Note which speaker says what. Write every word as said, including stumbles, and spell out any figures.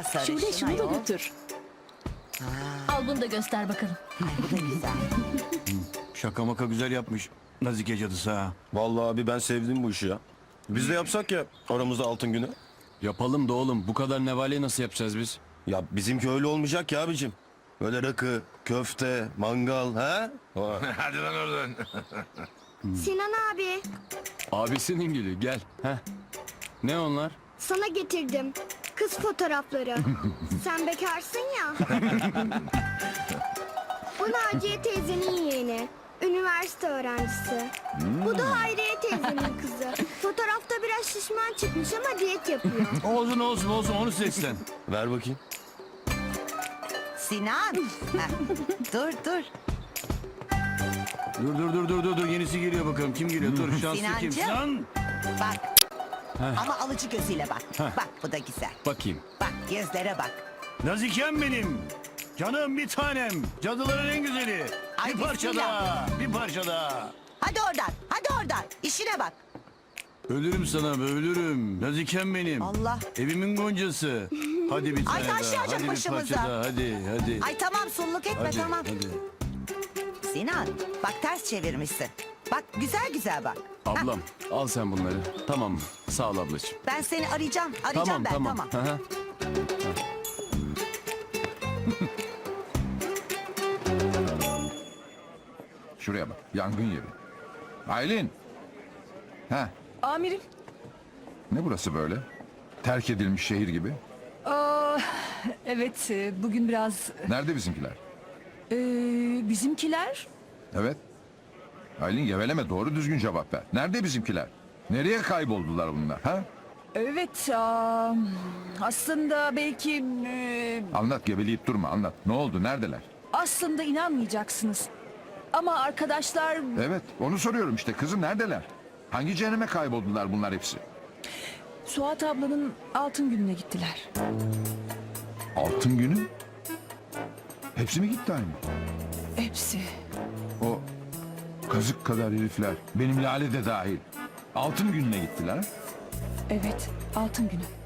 Speaker 1: sarışın
Speaker 2: Şule şunu da
Speaker 1: ayol.
Speaker 2: götür. Al bunu da göster bakalım.
Speaker 1: Ay bu da güzel.
Speaker 3: Şaka maka güzel yapmış Nazike cadısı ha.
Speaker 4: Vallahi abi ben sevdim bu işi ya. Biz de yapsak ya aramızda altın günü.
Speaker 3: Yapalım da oğlum, bu kadar nevaleyi nasıl yapacağız biz?
Speaker 4: Ya bizimki öyle olmayacak ya abicim. Böyle rakı, köfte, mangal ha?
Speaker 5: Hadi lan oradan.
Speaker 6: Sinan abi,
Speaker 3: Abisinin gülü, gel. Heh. Ne onlar?
Speaker 6: sana getirdim. Kız fotoğrafları. Sen bekarsın ya. Bu Naciye teyzenin yeğeni. Üniversite öğrencisi. Bu da Hayriye teyzenin kızı. Fotoğrafta biraz şişman çıkmış ama diyet yapıyor.
Speaker 3: Olsun olsun olsun, onu seçsen.
Speaker 4: Ver bakayım.
Speaker 1: Sinan. Heh, dur dur.
Speaker 3: Dur dur dur dur dur dur, yenisi geliyor bakalım. Kim geliyor? Dur, şanslı kim?
Speaker 1: Sinancığım.
Speaker 3: Sinan.
Speaker 1: Bak. Ama alıcı gözüyle bak. Bak bu da güzel.
Speaker 3: Bakayım.
Speaker 1: Bak gözlere bak.
Speaker 3: Nazikem benim. Canım bir tanem. Cadıların en güzeli.
Speaker 1: Ay,
Speaker 3: bir parça
Speaker 1: bismillah.
Speaker 3: daha. Bir parça daha.
Speaker 1: Hadi oradan. Hadi oradan. İşine bak.
Speaker 3: Ölürüm sana be, ölürüm. Nazikem benim.
Speaker 1: Allah.
Speaker 3: Evimin goncası. Hadi bir tane
Speaker 1: Ay,
Speaker 3: daha.
Speaker 1: taşlayacak
Speaker 3: Hadi bir
Speaker 1: başımıza.
Speaker 3: parça daha. Hadi hadi.
Speaker 1: Ay tamam sulluk etme
Speaker 3: hadi,
Speaker 1: tamam.
Speaker 3: hadi.
Speaker 1: Sinan bak ters çevirmişsin. Bak güzel güzel bak. Heh,
Speaker 3: Ablam al sen bunları. Tamam mı? Sağ ol ablacığım.
Speaker 1: ben seni arayacağım. Arayacağım
Speaker 3: Tamam
Speaker 1: ben
Speaker 3: tamam.
Speaker 1: tamam.
Speaker 3: Hı hı.
Speaker 5: Şuraya bak. Yangın yeri. Aylin. Ha,
Speaker 2: Amirim.
Speaker 5: ne burası böyle? Terk edilmiş şehir gibi.
Speaker 2: Aa, evet e, bugün biraz
Speaker 5: Nerede bizimkiler?
Speaker 2: e, bizimkiler.
Speaker 5: Evet. Aylin geveleme, doğru düzgün cevap ver. Nerede bizimkiler? Nereye kayboldular bunlar? Ha?
Speaker 2: Evet aa, aslında belki e,
Speaker 5: Anlat, geveleyip durma, anlat. Ne oldu, neredeler?
Speaker 2: aslında inanmayacaksınız. Ama arkadaşlar
Speaker 5: Evet, onu soruyorum işte. Kızım neredeler? Hangi cehenneme kayboldular bunlar hepsi?
Speaker 2: Suat ablanın altın gününe gittiler.
Speaker 5: Altın günü? Hepsi mi gitti aynı?
Speaker 2: Hepsi.
Speaker 5: O kazık kadar herifler, benim Lale de dahil. Altın gününe gittiler.
Speaker 2: Evet altın günü.